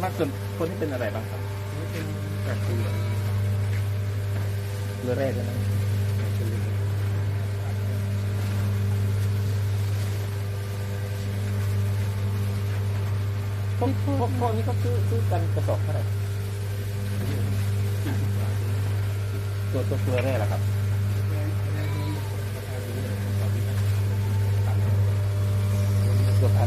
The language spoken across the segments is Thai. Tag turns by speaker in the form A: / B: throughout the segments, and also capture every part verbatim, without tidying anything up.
A: วนมากส่วนคนที่เป็นอะไรบ้างครับ
B: เป็นแบบเกลือ
A: เกลือแร่ใช่ไหมพวกพวกพวกนี้ก็ซื้อซื้อกันกระสอบเท่าไหร่ตัวตัวเกลือแร่ล่ะครับตัวพัน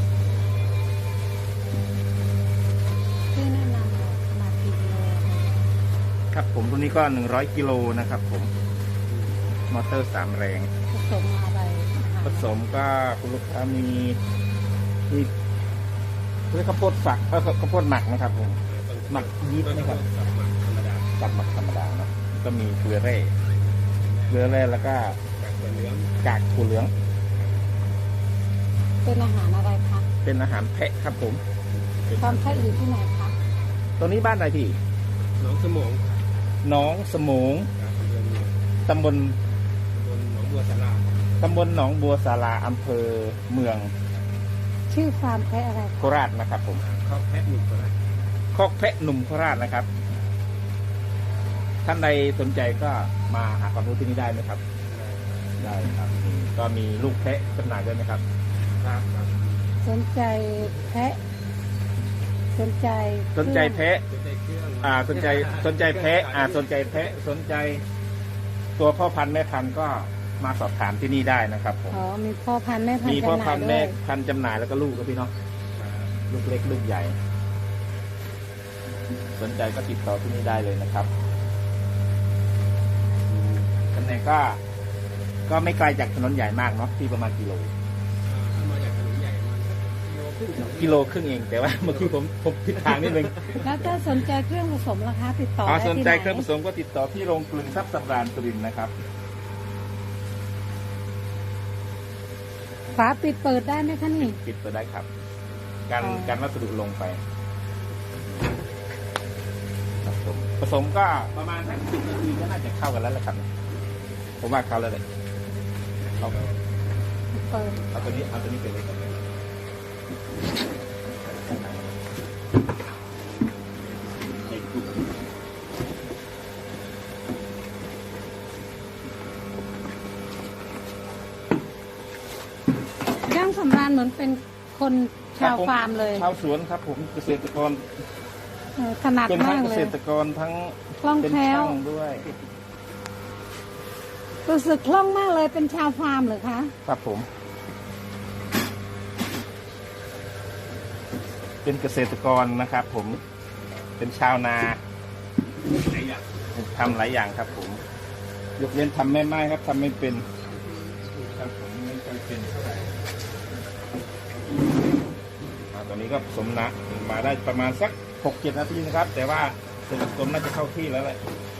C: ที่แนะนำขนาดกี่กิโล
A: ครับผมตัวนี้ก็หนึ่งร้อยกิโลนะครับผมมอเตอร์สามแรง
C: ผสมอะไร
A: ผสมก็คุณลูกค้ามีมีเรียกข้าวโพดฝักเออข้าวโพดหมักนะครับผมหมักยีสต์นะครับกับหมักธรรมดาเนาะก็มีเกลือแร่เกลือแร่แล้วก็กากถั่วเหลือง
C: เป็นอาหารอะไรคะ
A: เป็นอาหารแพะครับผม
C: ความแพะอยู่ที่ไหนคะ
A: ตัวนี้บ้านอะไรพี่
B: น้องสมอง
A: น้องสมงตำบล
B: หนองบัวสารา
A: ตำบลหนองบัวสาราอำเภอเมือง
C: ชื่อฟาร์มแพะอะไร
A: โคราชนะครับผม
B: คอกแพะหนุ่มโคราช
A: คอกแพะหนุ่มโคราชนะครับท่านใดสนใจก็มาหาความรู้ที่นี่ได้ไหมครับได้ครับก็มีลูกแพะจำหน่ายด้วยไหมครับ
B: ครับ
C: สนใจแพะสนใจ
A: สนใจแพะอ่าสนใจสนใจแพะอ่าสนใจแพะสนใจตัวพ่อพันธุ์แม่พันธุ์ก็มาสอบถามที่นี่ได้นะครับผม
C: อ๋อมีพ่อพันธุ์แม่พันธุ์
A: มีพ่อพันธุ์แม่พันธุ์จำหน่ายแล้วก็ลูกครับพี่เนาะลูกเล็กลูกใหญ่สนใจก็ติดต่อที่นี่ได้เลยนะครับตำแหน่งก็ก็ไม่ไกลจากถนนใหญ่มากเนาะที่ประมาณกิโล
B: มาจากถนนใหญ่มา
A: กิโลครึ่งเองแต่ว่าเมื่อกี้ผมผมผิดทางนิดนึง
C: แล้วถ้าสนใจเครื่องผสมราคาติดต่อ
A: ได้ที่ไหนสนใจเครื่องผสมก็ติดต่อที่โรงกลึงทรัพย์สำราญสุรินทร์นะครับ
C: ฝาปิดเปิดได้ไหมคะนี่
A: ปิดเปิดได้ครับการการวัสดุลงไปผสมก็ประมาณสักสิบนาทีก็น่าจะเข้ากันแล้วแหละครับผมว่าเข้าแล้วเลยเอาเอาตัวนี้เอาตัวนี้ไปเลย
C: ย่างสำราญเหมือนเป็นคนชาวฟาร์มเลย
A: ชาวสวนครับผมเกษตรกร
C: ถนัดมากเลย
A: เป็นทั้งเกษตรกรทั้ง
C: คล่องแคล่ว
A: ด้วย
C: รู้สึกคล่องมากเลยเป็นชาวฟาร์มเหรอคะ
A: ครับผมเป็นเกษตรกรนะครับผมเป็นชาวนาทำหลายอย่างครับผมยกเว้นทำไม่ไม่ครับทำไม่เป็นครับผมไม่เคยเป็นเท่าไหร่ตอนนี้ก็ผสมนะมาได้ประมาณสักหกเจ็ดนาทีนะครับแต่ว่าส่วนผสมน่าจะเข้าที่แล้วแหละ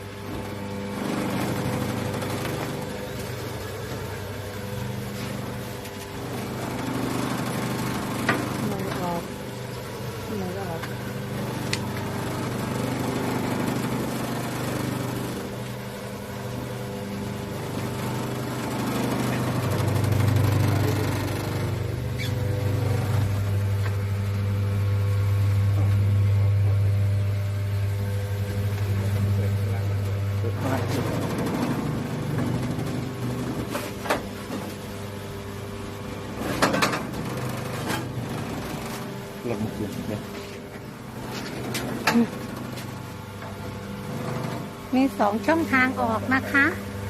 A: ลงมือเนี่ย
C: มีสองช่องทางออกนะคะ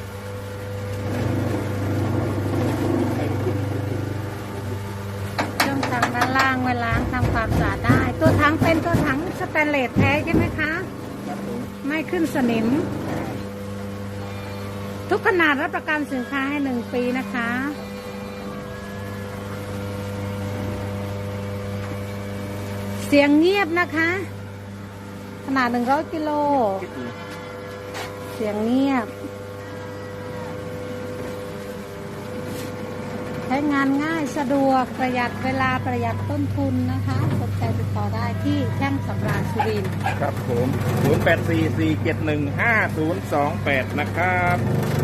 C: ช่องทางด้านล่างไว้ล้างทำความสะอาดได้ตัวถังเป็นตัวถังสแตนเลสแท้ใช่ไหมคะไม่ขึ้นสนิมทุกขนาดรับประกันสินค้าให้หนึ่งปีนะคะเสียงเงียบนะคะขนาดหนึ่งร้อยกิโลเสียงเงียบใช้งานง่ายสะดวกประหยัดเวลาประหยัดต้นทุนนะคะสนใจติดต่อได้ที่ช่างสำราญสุรินทร์
A: ครับผมศูนย์ แปด สี่ สี่ เจ็ด หนึ่ง ห้า ศูนย์ สอง แปดนะครับ